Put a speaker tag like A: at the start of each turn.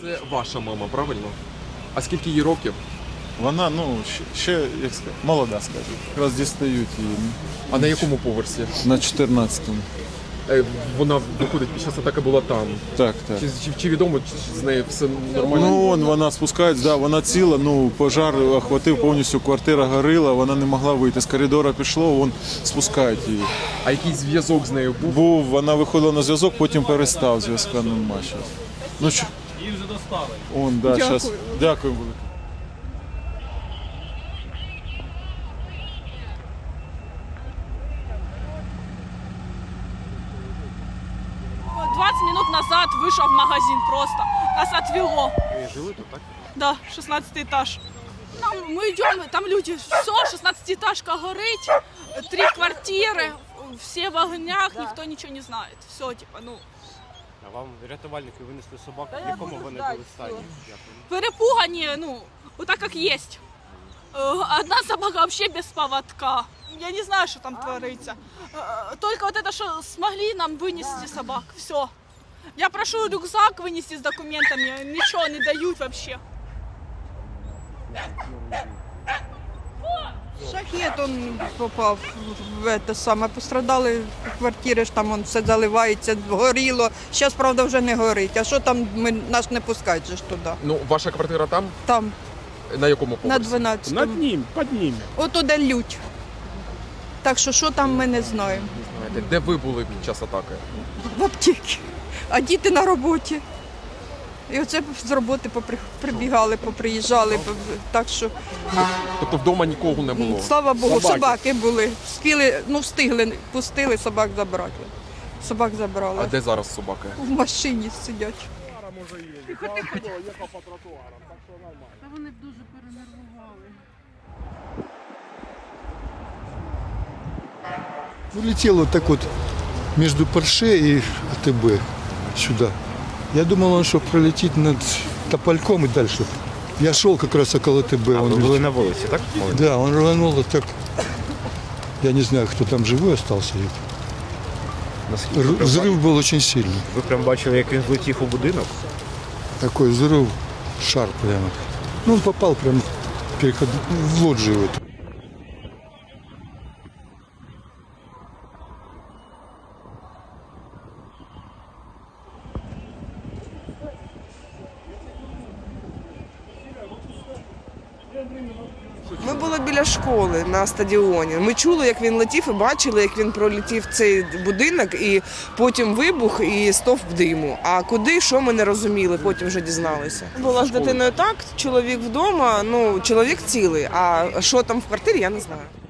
A: Це ваша мама, правильно? А скільки їй років?
B: Вона, ще, як сказати, молода, скажімо. Якраз дістають її
A: А на якому поверсі?
B: на 14-му.
A: Вона, виходить, під час атаки була там.
B: Так.
A: Чи відомо, чи з нею все нормально?
B: Вона спускається, да, вона ціла, пожар охватив повністю, квартира горіла, вона не могла вийти. З коридора пішло, спускають її.
A: А який зв'язок з нею був?
B: Вона виходила на зв'язок, потім перестав, зв'язка нема зараз.
C: Її вже достали.
B: Дякую велике.
D: Минут назад вышел в магазин просто. Нас отвело.
A: Жили тут, так?
D: Да, 16 этаж. Мы идем, там люди, все, 16-этажка горить, 3 квартиры, все в огнях, никто ничего не знает. Все, типа,
C: А вам рятувальники винесли собак, в якому вони були стані?
D: перепугані, вот так как есть. Одна собака вообще без поводка. Я не знаю, что там творится. Только вот это, что смогли нам вынести собак, все. Я прошу рюкзак вынести с документами, ничего не дают вообще.
E: Шахет он попав в це саме. Пострадали квартири, ж там все заливається, горіло. Зараз, правда, вже не горить. А що там, нас не пускають же ж туди.
A: Ваша квартира там?
E: Там,
A: На якому
E: на
A: поверсі?
E: 12-му.
C: Над ним, під ними.
E: Отуди лють. Так що там ми не знаємо.
A: Знаєте, де ви були під час атаки?
E: В аптеці. А діти на роботі. І оце з роботи прибігали, поприїжджали. Так що,
A: Тобто вдома нікого не було?
E: слава Богу, собаки були. Встигли, пустили, собак забрати. Собак забрали.
A: А де зараз собаки?
E: В машині сидять.
F: Та вони б дуже перенервували.
G: Улетел вот так вот между Порше и АТБ сюда. Я думал, он что пролетит над Топольком и дальше. Я шел как раз около АТБ.
C: Ви були на вулиці, так?
G: Да, он рванул вот так. Я не знаю, кто там живой остался. Взрыв был очень сильный.
C: Ви прям бачили, як він злетів у будинок?
G: Такой взрыв, шар прямо. Он попал прямо в лоджию эту.
H: Ми були біля школи на стадіоні. Ми чули, як він летів, і бачили, як він пролетів цей будинок, і потім вибух і стовп диму. А куди, що ми не розуміли, потім вже дізналися. Була з дитиною так, чоловік вдома, чоловік цілий, а що там в квартирі, я не знаю.